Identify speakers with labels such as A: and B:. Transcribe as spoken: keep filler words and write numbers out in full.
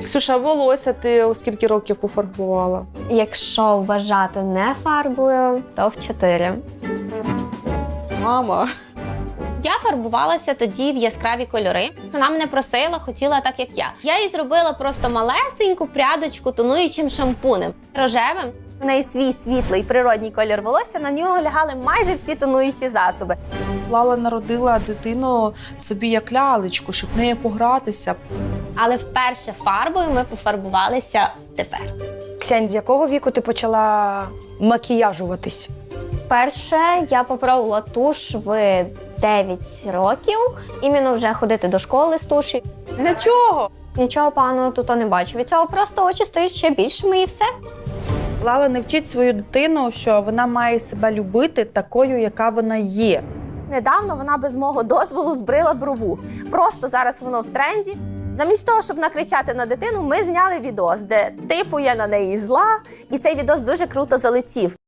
A: Ксюша, волосся ти у скільки років пофарбувала?
B: Якщо вважати не фарбою, то в чотири.
A: Мама.
C: Я фарбувалася тоді в яскраві кольори. Вона мене просила, хотіла так, як я. Я їй зробила просто малесеньку прядочку тонуючим шампунем. Рожевим. В неї свій світлий природній колір волосся, на нього лягали майже всі тонуючі засоби.
A: Лала народила дитину собі як лялечку, щоб нею погратися.
C: Але вперше фарбою ми пофарбувалися тепер.
D: Ксянь, з якого віку ти почала макіяжуватись?
B: Перше я попробувала туш в дев'ять років. Іменно вже ходити до школи з туші.
A: Для чого?
B: Нічого поганого тут не бачу. Від цього просто очі стають ще більшими і все.
E: Лала не вчить свою дитину, що вона має себе любити такою, яка вона є.
C: Недавно вона без мого дозволу збрила брову. Просто зараз воно в тренді. Замість того, щоб накричати на дитину, ми зняли відос, де типу я на неї зла, і цей відос дуже круто залетів.